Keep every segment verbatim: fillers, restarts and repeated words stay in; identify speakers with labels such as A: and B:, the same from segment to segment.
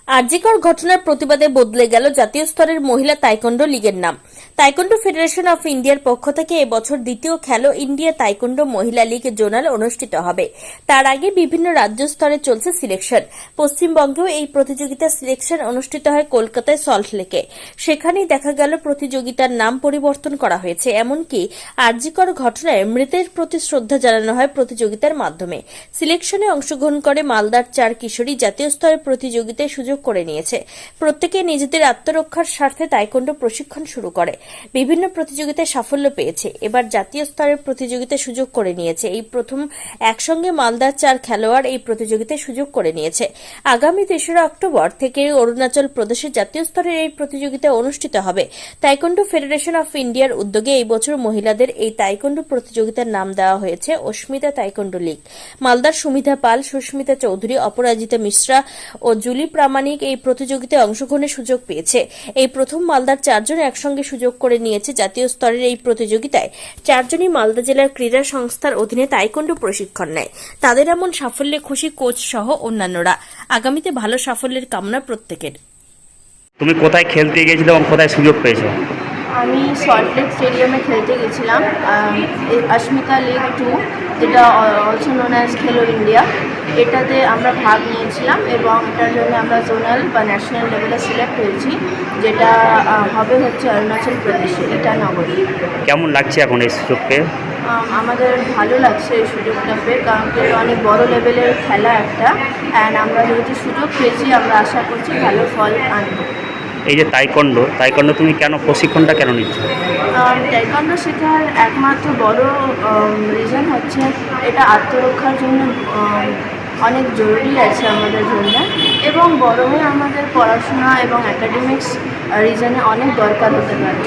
A: আরজিকর ঘটনার প্রতিবাদে বদলে গেল জাতীয় স্তরের মহিলা তাইকোন্ডো লীগের নাম। তাইকোন্ডো ফেডারেশন অফ ইন্ডিয়ার পক্ষ থেকে এবছর দ্বিতীয় খেলো ইন্ডিয়া তাইকোন্ডো মহিলা লীগ জোনাল অনুষ্ঠিত হবে। তার আগে বিভিন্ন রাজ্য স্তরে চলছে সিলেকশন। পশ্চিমবঙ্গেও এই প্রতিযোগিতার সিলেকশন অনুষ্ঠিত হয় কলকাতায় সল্টলেকে। সেখানেই দেখা গেল প্রতিযোগিতার নাম পরিবর্তন করা হয়েছে। এমনকি আরজিকর ঘটনায় মৃতের প্রতি শ্রদ্ধা জানানো হয় প্রতিযোগিতার মাধ্যমে। সিলেকশনে অংশগ্রহণ করে মালদার চার কিশোরী জাতীয় স্তরের প্রতিযোগিতায় সুযোগ করে নিয়েছে। প্রত্যেকে নিজেদের আত্মরক্ষার স্বার্থে তাইকোন্ডো প্রশিক্ষণ শুরু করে বিভিন্ন প্রতিযোগিতায় সাফল্য পেয়েছে। এবার জাতীয় স্তরের প্রতিযোগিতায় সুযোগ করে নিয়েছে। এই প্রথম একসঙ্গে মালদার চার খেলোয়াড় এই প্রতিযোগিতায় সুযোগ করে নিয়েছে। আগামী তেসরা অক্টোবর থেকে অরুণাচল প্রদেশের জাতীয় স্তরের এই প্রতিযোগিতা অনুষ্ঠিত হবে। তাইকোন্ডো ফেডারেশন অফ ইন্ডিয়ার উদ্যোগে এই বছর মহিলাদের এই তাইকোন্ডো প্রতিযোগিতার নাম দেওয়া হয়েছে অস্মিতা তাইকোন্ডো লীগ। মালদার সুমিধা পাল, সুস্মিতা চৌধুরী, অপরাজিতা মিশ্রা ও জুলি প্রামাণিক এই প্রতিযোগিতায় অংশগ্রহণের সুযোগ পেয়েছে। এই প্রথম মালদার চারজন একসঙ্গে সুযোগ করে নিয়েছে জাতীয় স্তরের এই প্রতিযোগিতায়। চারজনই মালদা জেলার ক্রীড়া সংস্থার অধীনে তাইকোন্ডো প্রশিক্ষণ নেয়। তাদের এমন সাফল্যে খুশি কোচ সহ অন্যান্যরা। আগামীতে ভালো সাফল্যের কামনা প্রত্যেকের।
B: তুমি কোথায় খেলতে গিয়েছিলে এবং কোথায় সুযোগ পেয়েছো?
C: আমি সল্টলেক স্টেডিয়ামে খেলতে গেছিলাম অস্মিতা লিগ টু, যেটা also known as Khelo India. এটাতে আমরা ভাগ নিয়েছিলাম এবং এটার জন্য আমরা জোনাল বা ন্যাশনাল লেভেলে সিলেক্ট হয়েছি, যেটা হবে হচ্ছে অরুণাচল প্রদেশে ইটানগরে।
B: কেমন লাগছে এখন এই সুযোগ পেয়ে?
C: আমাদের ভালো লাগছে এই সুযোগটা পেয়ে, কারণ এটা অনেক বড় লেভেলের খেলা একটা, অ্যান্ড আমরা যেহেতু সুযোগ পেয়েছি আমরা আশা করছি ভালো ফল আনবো।
B: এই যে তাইকোন্ডো তাইকোন্ডো তুমি কেন প্রশিক্ষণটা কেন নিচ্ছ?
C: তাইকোন্ডো শেখার একমাত্র বড় রিজন হচ্ছে এটা আত্মরক্ষার জন্য অনেক জরুরি আছে আমাদের জন্য, এবং বড় হয়ে আমাদের পড়াশোনা এবং একাডেমিক্স রিজনে অনেক দরকার হতে পারে।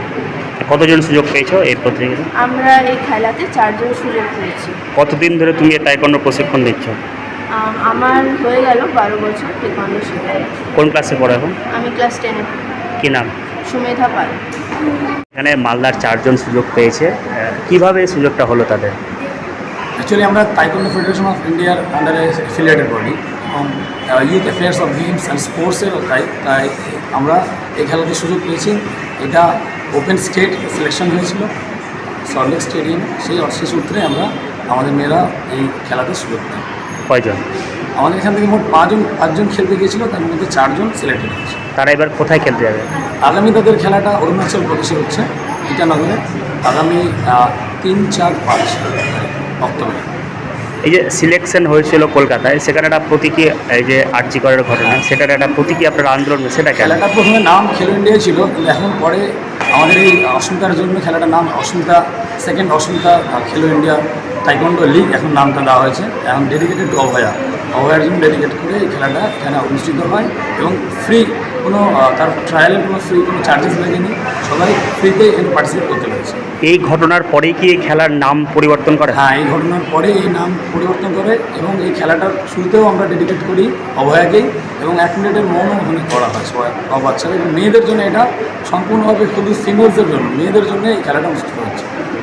B: কতজন সুযোগ পেয়েছো এই প্রতিযোগিতা?
C: আমরা এই খেলাতে চারজন সুযোগ পেয়েছি।
B: কতদিন ধরে তুমি এই তাইকোন্ডো প্রশিক্ষণ নিচ্ছ?
C: আমার হয়ে গেল বারো বছর তাইকোন্ডো শেখা।
B: কোন ক্লাসে পড়ো এখন?
C: আমি ক্লাস টেনে।
B: কি নাম?
C: সুমেধা পাল।
B: এখানে মালদার চারজন সুযোগ পেয়েছে, কিভাবে এই সুযোগটা হলো তাদের?
D: অ্যাকচুয়ালি আমরা তাইকোন্ডো ফেডারেশন অফ ইন্ডিয়ার আন্ডারে অ্যাফিলিয়েটেড বডি এবং youth affairs of games and স্পোর্টসেরও তাই তাই আমরা এই খেলাতে সুযোগ পেয়েছি। এটা ওপেন স্টেট সিলেকশন হয়েছিল সল্টলেক স্টেডিয়ামে, সেই সেই সূত্রে আমরা আমাদের মেয়েরা এই খেলাতে সুযোগ পাই।
B: কয়জন?
D: আমাদের এখান থেকে মোট পাঁচজন পাঁচজন খেলতে গিয়েছিল, তার মধ্যে চারজন সিলেক্টেড হয়েছে।
B: তারা এবার কোথায় খেলতে যাবে?
D: আগামী তাদের খেলাটা অরুণাচল প্রদেশে হচ্ছে ইটানগরে, আগামী তিন চার পাঁচ অক্টোবর।
B: এই যে সিলেকশন হয়েছিল কলকাতায়, সেখানে একটা প্রতীকী, এই যে আরজিকরের ঘটনা, সেটার একটা প্রতীকী আপনার আন্দোলন, সেটা
D: খেলাটা প্রথমে নাম খেলো ইন্ডিয়া ছিল, কিন্তু এখন পরে আমাদের এই অস্মিতার জন্য খেলাটার নাম অস্মিতা সেকেন্ড অস্মিতা খেলো ইন্ডিয়া তাইকোন্ডো লিগ এখন নামটা দেওয়া হয়েছে। এখন ডেডিকেটেড টু অভয়া অভয়ার জন্য ডেডিকেট করে এই খেলাটা এখানে অনুষ্ঠিত হয় এবং ফ্রি, কোনো তার ট্রায়ালের কোনো ফ্রি কোনো চার্জেস লাগেনি, সবাই ফ্রিতে এখানে পার্টিসিপেট করতে পেরেছে।
B: এই ঘটনার পরেই কি এই খেলার নাম পরিবর্তন করে?
D: হ্যাঁ, এই ঘটনার পরে এই নাম পরিবর্তন করে এবং এই খেলাটার শুরুতেও আমরা ডেডিকেট করি অভয়াকেই, এবং এক মিনিটের মৌন ওখানে করা হয় সবাই সব বাচ্চারা, এবং মেয়েদের জন্য এটা সম্পূর্ণভাবে শুধু সিনিয়রদের জন্য, মেয়েদের জন্য এই খেলাটা অনুষ্ঠিত হচ্ছে।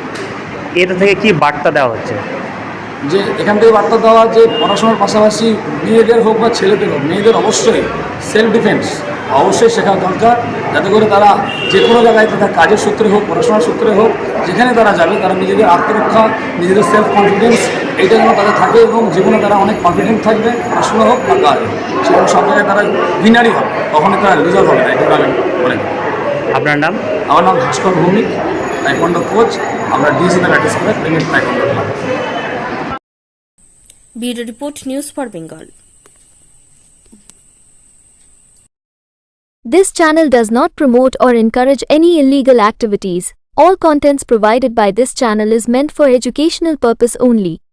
B: এটা থেকে কি বার্তা দেওয়া হচ্ছে?
D: যে এখান থেকে বার্তা দেওয়া যে পড়াশোনার পাশাপাশি মেয়েদের হোক বা ছেলেদের হোক, মেয়েদের অবশ্যই সেলফ ডিফেন্স অবশ্যই শেখা দরকার, যাতে করে তারা যে কোনো জায়গায় তাদের কাজের সূত্রে হোক, পড়াশোনার সূত্রে হোক, যেখানে তারা যাবে তারা নিজেদের আত্মরক্ষা, নিজেদের সেলফ কনফিডেন্স এইটা যেন তাদের থাকে এবং জীবনে তারা অনেক কনফিডেন্ট থাকবে, পড়াশোনা হোক বা কাজ হোক, সেখানে সব জায়গায় তারা উইনারই হবে, কখনই তারা লুজার হবে না। এটা আমি মনে করি।
B: আপনার নাম?
D: আমার নাম ভাস্কর ভৌমিক, তাইকোন্ডো কোচ। আমরা ডিএসিতে প্র্যাকটিস করে Premik taekwondo club.
A: Bureau report, news for Bengal.
E: This channel does not promote or encourage any illegal activities. All contents provided by this channel is meant for educational purpose only.